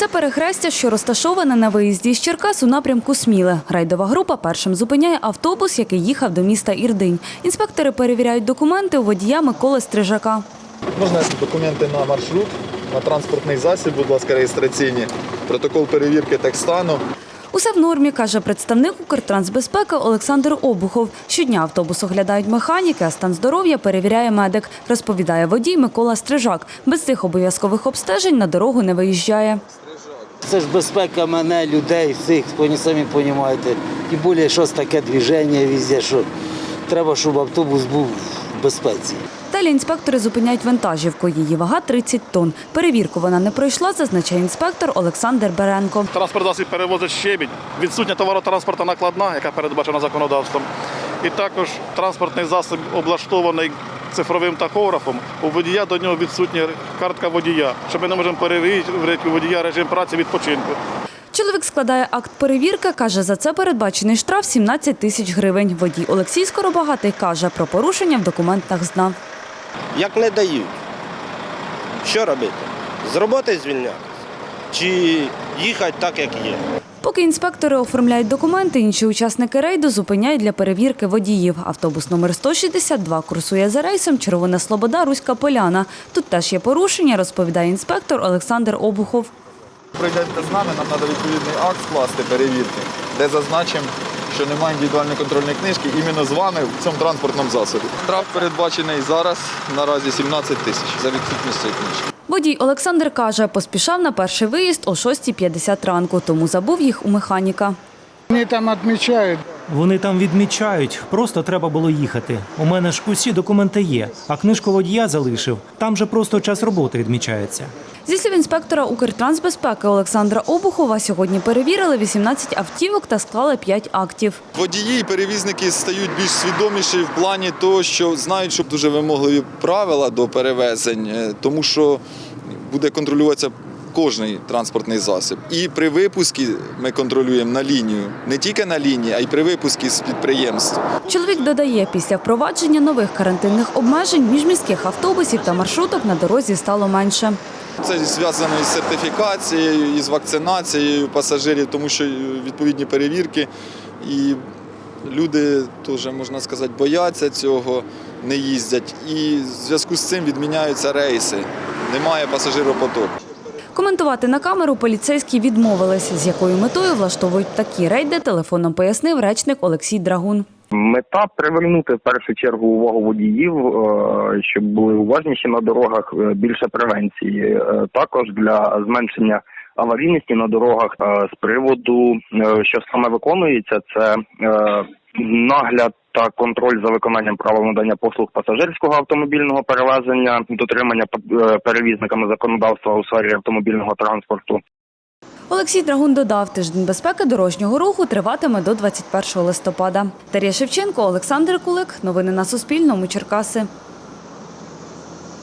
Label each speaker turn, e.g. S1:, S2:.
S1: Це перехрестя, що розташоване на виїзді з Черкас у напрямку Сміле. Рейдова група першим зупиняє автобус, який їхав до міста Ірдинь. Інспектори перевіряють документи у водія Миколи Стрижака.
S2: Можна документи на маршрут, на транспортний засіб, будь ласка, реєстраційні, протокол перевірки техстану.
S1: Усе в нормі, каже представник Укртрансбезпеки Олександр Обухов. Щодня автобус оглядають механіки, а стан здоров'я перевіряє медик, розповідає водій Микола Стрижак. Без цих обов'язкових обстежень на дорогу не виїжджає.
S3: Це ж безпека мене, людей, всіх, ви самі розумієте. Тим більше, щось таке движення везде, що треба, щоб автобус був в безпеці.
S1: Далі інспектори зупиняють вантажівку. Її вага 30 тонн. Перевірку вона не пройшла, зазначає інспектор Олександр Беренко.
S4: Транспорт засіб перевозить щебінь, відсутня товаротранспортна накладна, яка передбачена законодавством. І також транспортний засіб облаштований цифровим тахографом. У водія до нього відсутня картка водія, що ми не можемо перевірити у водія режим праці відпочинку.
S1: Чоловік складає акт перевірки, каже, за це передбачений штраф 17 тисяч гривень. Водій Олексій Скоробагатий каже, про порушення в документах знав.
S5: Як не дають, що робити? З роботи звільнятися? Чи їхати так, як є?
S1: Поки інспектори оформляють документи, інші учасники рейду зупиняють для перевірки водіїв. Автобус номер 162 курсує за рейсом Червона Слобода, Руська Поляна. Тут теж є порушення, розповідає інспектор Олександр Обухов.
S2: Прийдете з нами, нам треба відповідний акт скласти перевірки, де зазначимо, що немає індивідуальної контрольної книжки іменно з вами в цьому транспортному засобі. Штраф передбачений зараз наразі 17 тисяч за відсутність цієї книжки.
S1: Водій Олександр каже, поспішав на перший виїзд о 6:50 ранку, тому забув їх у механіка.
S6: Вони там відмічають.
S7: Вони там відмічають, просто треба було їхати. У мене ж усі документи є, а книжку водія залишив. Там же просто час роботи відмічається.
S1: Зі слів інспектора Укртрансбезпеки Олександра Обухова, сьогодні перевірили 18 автівок та склали 5 актів.
S2: Водії і перевізники стають більш свідоміші в плані того, що знають, що дуже вимогливі правила до перевезень, тому що буде контролюватися кожний транспортний засіб. І при випуску ми контролюємо на лінію. Не тільки на лінії, а й при випуску з підприємств.
S1: Чоловік додає, після впровадження нових карантинних обмежень міжміських автобусів та маршруток на дорозі стало менше.
S2: Це зв'язано із сертифікацією, із вакцинацією пасажирів, тому що відповідні перевірки. І люди теж, можна сказати, бояться цього, не їздять. І в зв'язку з цим відміняються рейси. Немає пасажиропотоку.
S1: Коментувати на камеру поліцейські відмовилися, з якою метою влаштовують такі рейди, телефоном пояснив речник Олексій Драгун.
S8: Мета – привернути в першу чергу увагу водіїв, щоб були уважніші на дорогах, більше превенції. Також для зменшення аварійності на дорогах з приводу, що саме виконується, це нагляд та контроль за виконанням правил надання послуг пасажирського автомобільного перевезення, дотримання перевізниками законодавства у сфері автомобільного транспорту.
S1: Олексій Драгун додав, тиждень безпеки дорожнього руху триватиме до 21 листопада. Дар'я Шевченко, Олександр Кулик. Новини на Суспільному. Черкаси.